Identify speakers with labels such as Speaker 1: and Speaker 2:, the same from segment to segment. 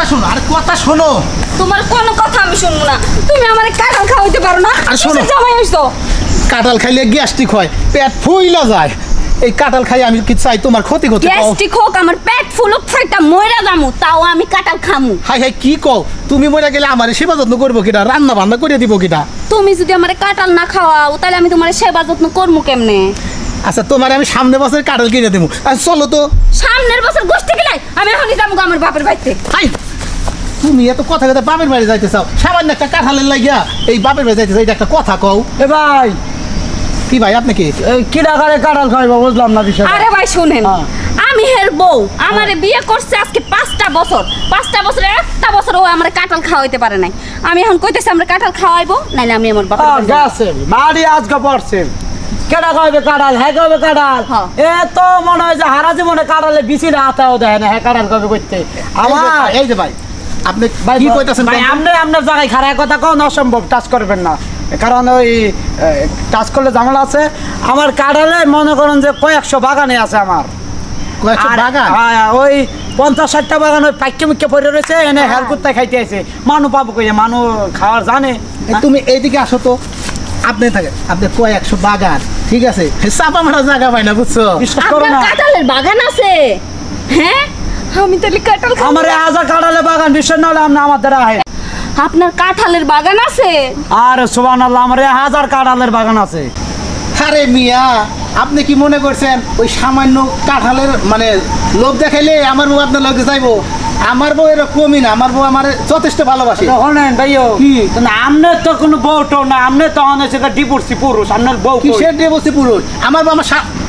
Speaker 1: শোনো, আরে কথা শোনো।
Speaker 2: তোমার কোনো কথা আমি শুনবো না। তুমি আমারে কাঁঠাল খাওয়াইতে পারো না?
Speaker 1: আর শোনো।
Speaker 2: কিসের জামাই হইছো?
Speaker 1: কাঁঠাল খাইলে গ্যাস্ট্রিক হয়, পেট ফুইলা যায়। এই কাঁঠাল খাই আমি কি চাই তোমার ক্ষতি করতে?
Speaker 2: গ্যাস্ট্রিক হোক, আমার পেট ফুলুক, ফাইটা মইরা যামু, তাও আমি কাঁঠাল খামু।
Speaker 1: হাই হাই কি কও? তুমি মরে গেলে আমার সেবা যত্ন করবো কিনা, রান্না বান্না করে দিব কিনা?
Speaker 2: তুমি যদি আমারে কাঁঠাল না খাওয়াও তাহলে আমি তোমার সেবা যত্ন করবো কেমনে?
Speaker 1: আচ্ছা তোমার আমি সামনে বছর কাঁঠাল কিনে দেবো। আচ্ছা চলো তো।
Speaker 2: সামনের বছর গোষ্ঠী গেলাই আমি এখনই যাবো আমার বাপের বাড়িতে।
Speaker 1: হাই, তুমি এত কথা কথা বাপের বাড়ি যাইতে চাও? সামান্য একটা কাঁঠালের লাগিয়া এই বাপের বাড়ি যাইতে চাও, এটা একটা কথা কও?
Speaker 3: এ ভাই,
Speaker 1: কি ভাই আপনি কি?
Speaker 3: কি টাকারে কাঁঠাল খাইবো বুঝলাম না বিষয়।
Speaker 2: আরে ভাই শুনেন,
Speaker 3: হ্যাঁ।
Speaker 2: আমি হের বউ, আমারে বিয়ে করছে আজকে 5টা বছর। 5টা বছরে একটা বছর ও আমারে কাঁঠাল খাওয়াইতে পারে নাই। আমি এখন কইতেছি আমরা কাঁঠাল খাওয়াইবো, নাইলে আমি আমার বাপের বাড়ি যাবো।
Speaker 3: গেছে বাড়ি আজকে পড়ছে, কেটা খাইবে কাঁঠাল, হ্যাঁ খাইবে কাঁঠাল।
Speaker 2: হ্যাঁ।
Speaker 3: এ তো মনে হয় যে হারা জীবনে কাঁঠালে বিচি না হাতাও দেয় না, হ্যাঁ কাঁঠাল খাবে করতে আমার।
Speaker 1: এই যে ভাই আপনি
Speaker 3: ভাই
Speaker 1: কি কইতাছেন?
Speaker 3: ভাই আপনার জায়গায় খারাপ কথা কোন অসম্ভব, টাচ করবেন না, কারণ ওই টাচ করলে ঝামেলা আছে। আমার কাঁঠালে মনে করেন যে কয়েকশো বাগানে আছে আমার।
Speaker 1: কয়েকশো
Speaker 3: আর-
Speaker 1: বাগান?
Speaker 3: হ্যাঁ, ওই 50-60টা বাগান ওই পাইকে মুখে পড়ে রয়েছে, এনে হেল কুত্তায় খাইতে আছে। মানু পাবো কই, মানু খাওয়ার জানে।
Speaker 1: এই তুমি এইদিকে আসো তো। আপনি থাকে, আপনি কয়েকশো বাগান, ঠিক আছে, চাপা মারা জায়গা পাই না, বুঝছো?
Speaker 3: বিশ্বাস করো
Speaker 2: আপনার
Speaker 3: না,
Speaker 2: কাঁঠালের বাগান আছে? হ্যাঁ, আমি তাহলে কাঁঠাল খাবো।
Speaker 3: আমার হাজার কাঁঠালে বাগান, বিশ্বাস না হলে আপনি আমার দ্বারা আহে।
Speaker 2: আপনার কাঁঠালের বাগান আছে?
Speaker 3: আর সুবহানাল্লাহ, আমার হাজার কাঁঠালের বাগান আছে।
Speaker 1: আরে মিয়া, আপনি কি মনে করছেন ওই সামান্য কাঁঠালের মানে লোভ দেখাইলে আমার বউ আপনার লগে যাইবো? আমার বউ এরকমই না, আমার বউ আমার যথেষ্ট ভালোবাসে।
Speaker 3: শোনেন ভাইও,
Speaker 1: কি?
Speaker 3: আপনার তো কোনো বউটো না, আপনি তো অনেক ডিভোর্সি পুরুষ, আপনার বউ কই?
Speaker 1: কিসের দিয়ে বসে পুরুষ? আমার বউ আমার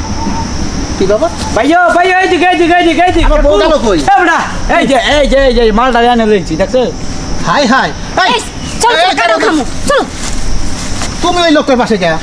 Speaker 1: কি বাবা?
Speaker 3: ভাইও ভাইও, এইদিকে এইদিকে এইদিকে এইদিকে।
Speaker 1: আমার বউ গেল কই?
Speaker 3: এ বেটা, এই যে মালটা এনে লইছি, দেখছো?
Speaker 1: হাই হাই, এই,
Speaker 2: এই, চল
Speaker 1: এই,
Speaker 2: চল কাঁঠাল
Speaker 1: এই,
Speaker 2: খামু, চলো।
Speaker 1: তুমি ওই লোকের পাশে যা।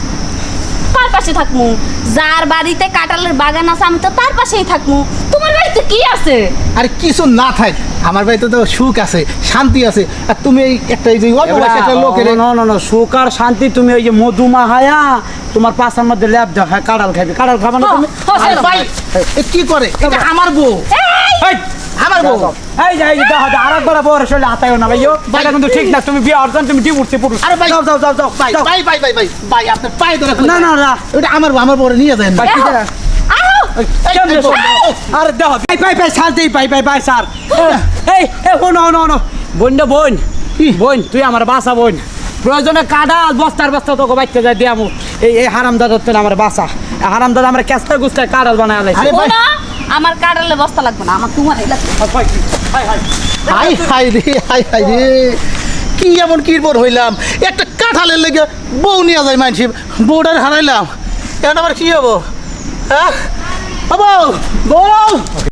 Speaker 2: কার পাশে থাকমু? যার বাড়িতে কাঁঠালের বাগান আছে আমি তো তার পাশেই থাকমু। তোমার বাড়িতে কি আছে?
Speaker 1: আরে কিছু না থাক, আমার বাড়িতে তো সুখ আছে, শান্তি আছে। আর তুমি এই একটা এই যে অল্প বয়সী একটা লোকের
Speaker 3: না, সুখ আর শান্তি তুমি ওই যে মধুমা হায়া তোমার পাশার মধ্যে ল্যাব দাও, হ্যাঁ কাঁঠাল খাবি, কাঁঠাল খাবা না তুমি?
Speaker 1: আরে ভাই, এ কি করে? এটা আমার বউ,
Speaker 3: এই,
Speaker 1: আমার বউ।
Speaker 3: এই যে দেখো, আরেকবার বউর শরীরে হাতায়ও না ভাইও, এটা কিন্তু ঠিক না। তুমি বিয়ে অর্জন, তুমি ডিভোর্সি পুরুষ।
Speaker 1: আরে ভাই,
Speaker 3: যাও যাও যাও যাও
Speaker 1: ভাই
Speaker 3: যাও।
Speaker 1: ভাই ভাই ভাই ভাই ভাই, আপনার পায়ে ধরে
Speaker 3: না না না,
Speaker 1: এটা আমার বউ, আমার বউরে নিয়ে যায় না।
Speaker 3: ভাই, কি করে?
Speaker 2: আও!
Speaker 3: কেমনে
Speaker 1: এই,
Speaker 3: সম্ভব? আরে দেখো, পাই শান্তি, পাই স্যার। এই শোনো, বোন, বোন তুই আমার বাসা বোন, প্রয়োজনে কাঁঠাল বস্তার বস্তা তোকে বাইতে যায় দিয়ামু। এই হারামদাদার তো আমার বাসা, হারামদাদা আমরা কেস্তা গুস্তায় কাঁঠাল বানায় আলাইছি।
Speaker 1: আরে ভাই,
Speaker 2: শোনো, আমার কাঁঠালের বস্তা লাগবে না, আমার তোমার লাগবে।
Speaker 1: হাই হাই রে, হাই হাই রে, কি এমন কিরবর হইলাম? একটা কাঁঠালের লেগে বউ নিয়ে যায় মানছি, বউটার হারাইলাম। এখন আবার কি হবো? হ্যাঁ বউ, বউ।